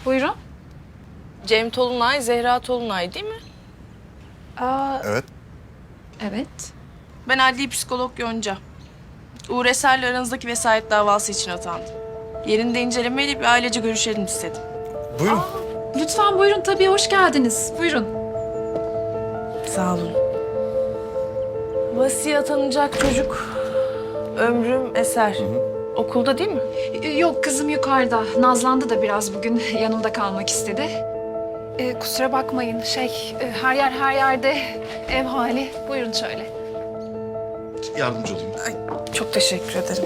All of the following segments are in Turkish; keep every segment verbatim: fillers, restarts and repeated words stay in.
Buyurun. Cem Tolunay, Zehra Tolunay değil mi? Aa, Evet. evet. Ben adli psikolog Yonca. Uğur Eser'le aranızdaki vesayet davası için atandım. Yerinde incelemeyle bir ailece görüşelim istedim. Buyurun. Lütfen buyurun, tabii hoş geldiniz. Buyurun. Sağ olun. Vasiye atanacak çocuk Ömrüm Eser. Okulda değil mi? Ee, Yok, kızım yukarıda. Nazlandı da biraz bugün. Yanımda kalmak istedi. Ee, kusura bakmayın. Şey, e, her yer her yerde ev hali. Buyurun şöyle. Yardımcı olayım. Çok teşekkür ederim.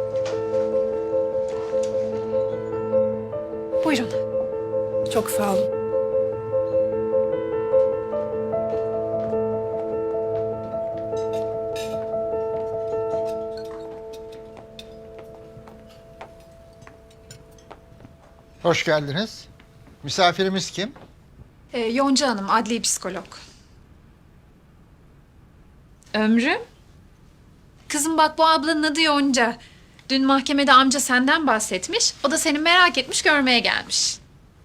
Buyurun. Çok sağ olun. Hoş geldiniz. Misafirimiz kim? Ee, Yonca Hanım, adli psikolog. Ömrüm? Kızım bak, bu ablanın adı Yonca. Dün mahkemede amca senden bahsetmiş. O da seni merak etmiş, görmeye gelmiş.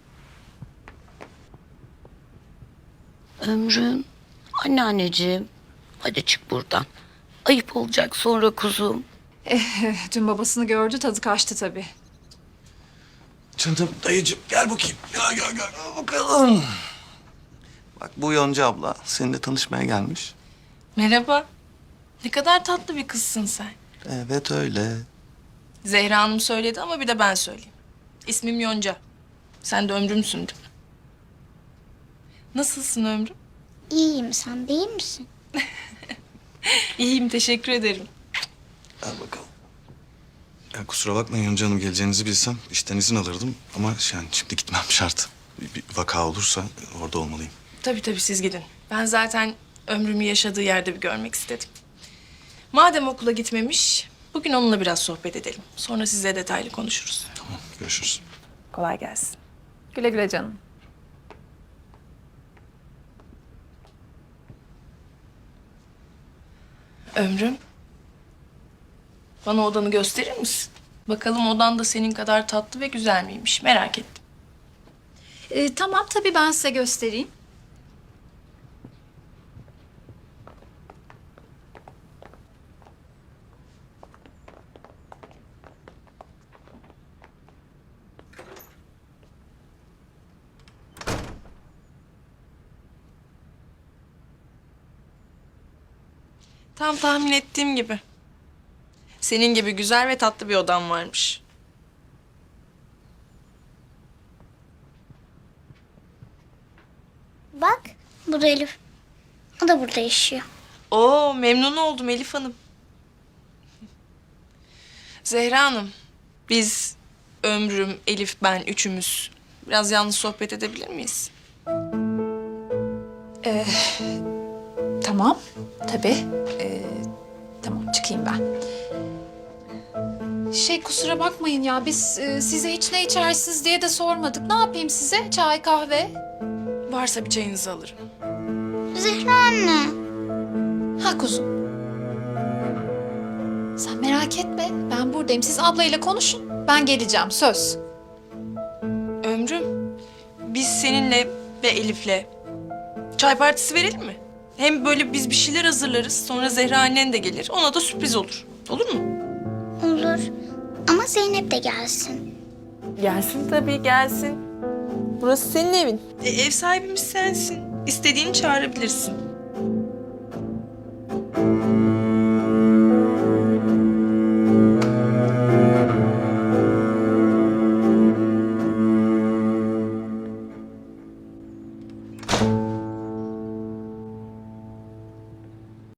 Ömrüm, anneanneciğim. Hadi çık buradan. Ayıp olacak sonra kuzum. Dün babasını gördü, tadı kaçtı tabii. Canım dayıcığım gel bakayım. Gel gel gel gel bakalım. Bak bu Yonca abla seninle tanışmaya gelmiş. Merhaba. Ne kadar tatlı bir kızsın sen. Evet öyle. Zehra Hanım söyledi ama bir de ben söyleyeyim. İsmim Yonca. Sen de Ömrüm'sün değil mi? Nasılsın Ömrüm? İyiyim, sen değil misin? İyiyim, teşekkür ederim. Gel bakalım. Ya kusura bakmayın Yonca Hanım, geleceğinizi bilsem işten izin alırdım. Ama yani şimdi gitmem şart. Bir, bir vaka olursa orada olmalıyım. Tabii tabii, siz gidin. Ben zaten Ömrüm'ü yaşadığı yerde bir görmek istedim. Madem okula gitmemiş, bugün onunla biraz sohbet edelim. Sonra size detaylı konuşuruz. Tamam, görüşürüz. Kolay gelsin. Güle güle canım. Ömrüm, bana odanı gösterir misin? Bakalım odan da senin kadar tatlı ve güzel miymiş? Merak ettim. Ee, tamam, tabii ben size göstereyim. Tam tahmin ettiğim gibi. Senin gibi güzel ve tatlı bir odan varmış. Bak, bu da Elif. O da burada yaşıyor. Oo, memnun oldum Elif Hanım. Zehra Hanım, biz Ömrüm, Elif, ben üçümüz biraz yalnız sohbet edebilir miyiz? Tamam, tabii. Ee, tamam, çıkayım ben. Şey, kusura bakmayın ya, biz e, size hiç ne içersiniz diye de sormadık. Ne yapayım size? Çay, kahve? Varsa bir çayınızı alırım. Zehra anne. Ha kuzum. Sen merak etme, ben buradayım. Siz ablayla konuşun, ben geleceğim, söz. Ömrüm, biz seninle ve Elif'le çay partisi verelim mi? Hem böyle biz bir şeyler hazırlarız, sonra Zehra annen de gelir. Ona da sürpriz olur. Olur mu? Olur. Ama Zeynep de gelsin. Gelsin tabii, gelsin. Burası senin evin. E, ev sahibimiz sensin. İstediğini çağırabilirsin.